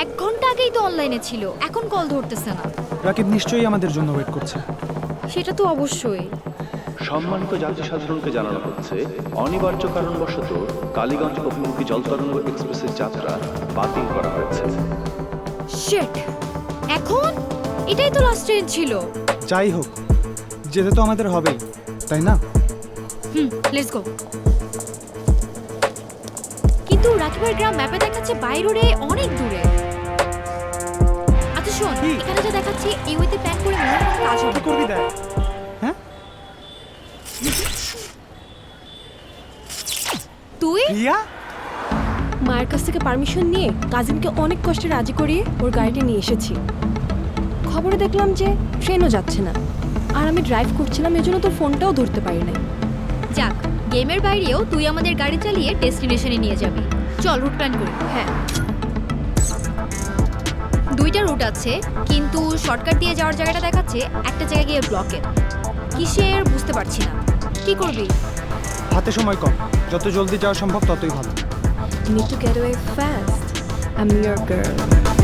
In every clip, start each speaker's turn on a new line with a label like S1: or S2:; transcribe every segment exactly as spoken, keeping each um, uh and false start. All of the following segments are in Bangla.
S1: এক ঘন্টা আগেই তো অনলাইনে ছিল, এখন কল ধরতেছে না।
S2: রাকিব নিশ্চয়ই আমাদের জন্য ওয়েট করছে।
S1: সেটা তো অবশ্যই।
S3: সম্মানিত যাত্রী সাধারণকে জানানো হচ্ছে, অনিবার্য কারণবশত কালীগঞ্জ অভিমুখী জলতরঙ্গ এক্সপ্রেসের যাত্রা বাতিল করা হয়েছে।
S1: শিট, এখন এটাই তো লাস্ট ট্রেন ছিল।
S2: যাই হোক, যেতে তো আমাদের হবেই, তাই না?
S1: হুম, লেটস গো। কিন্তু রাকিবের গ্রাম ম্যাপে দেখাচ্ছে বাই রোডে অনেক দূরে। আচ্ছা শোন,
S2: কি?
S1: এখানে যা দেখাচ্ছে এই ওয়েতে প্ল্যান করে মনে হয় কোনো কাজ হবে।
S2: কি করবি দেখ। হ্যাঁ,
S1: তুই
S2: রিয়া,
S4: মায়ের কাছ থেকে পারমিশন নিয়ে কাজিনকে অনেক কষ্টে রাজি করিয়ে ওর গাড়িটা নিয়ে এসেছি। খবরে দেখলাম যে ট্রেনও যাচ্ছে না, আর আমি ড্রাইভ করছিলাম, এজন্য তোর ফোনটাও ধরতে পারি নাই।
S1: যাক, গেমের বাইরেও তুই আমাদের গাড়ি চালিয়ে ডেস্টিনেশনে নিয়ে যাবি। চল রুট প্ল্যান করি।
S4: হ্যাঁ,
S1: দুইটা রুট আছে, কিন্তু শর্টকাট দিয়ে যাওয়ার জায়গাটা দেখাচ্ছে একটা জায়গায় গিয়ে ব্লকের। কিসের বুঝতে পারছি না। কি করবি?
S2: হাতে সময় কম, যত জলদি যাওয়া সম্ভব ততই ভালো।
S4: you need to get away fast. I'm your girl.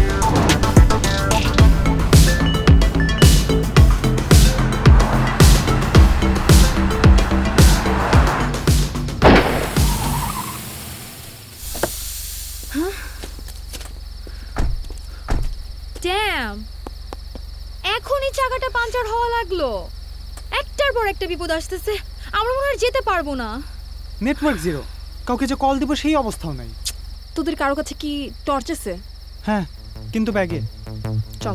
S1: Damn, এখনই চাকাটা পাঞ্চার হওয়া লাগলো। একটার পর একটা বিপদ আসতেছে, আমরা মনে হয় যেতে পারবো না।
S2: নেটওয়ার্ক জিরো, কাউকে যে কল দিব সেই অবস্থাও নাই।
S4: তোদের কারো কাছে কি টর্চ আছে?
S2: হ্যাঁ, কিন্তু ব্যাগে।
S4: চল।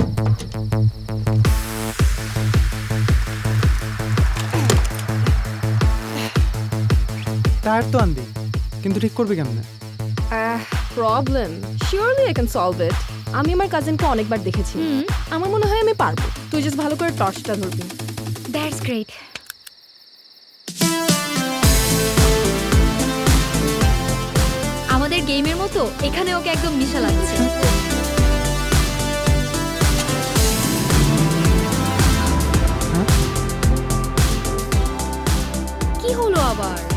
S2: টায়ার তো আনবি, কিন্তু ঠিক করবি কেমনে?
S4: Problem surely I can solve it. আমি আমার কাজিনকে অনেকবার দেখেছি,
S1: হুম,
S4: আমার মনে হয় আমি পারবো। তুই জাস্ট ভালো করে টর্চটা ধরবি।
S1: That's great. আমাদের গেমের মতো এখানে ওকে একদম নিশা লাগছে।
S2: হ্যাঁ?
S1: কি হলো আবার?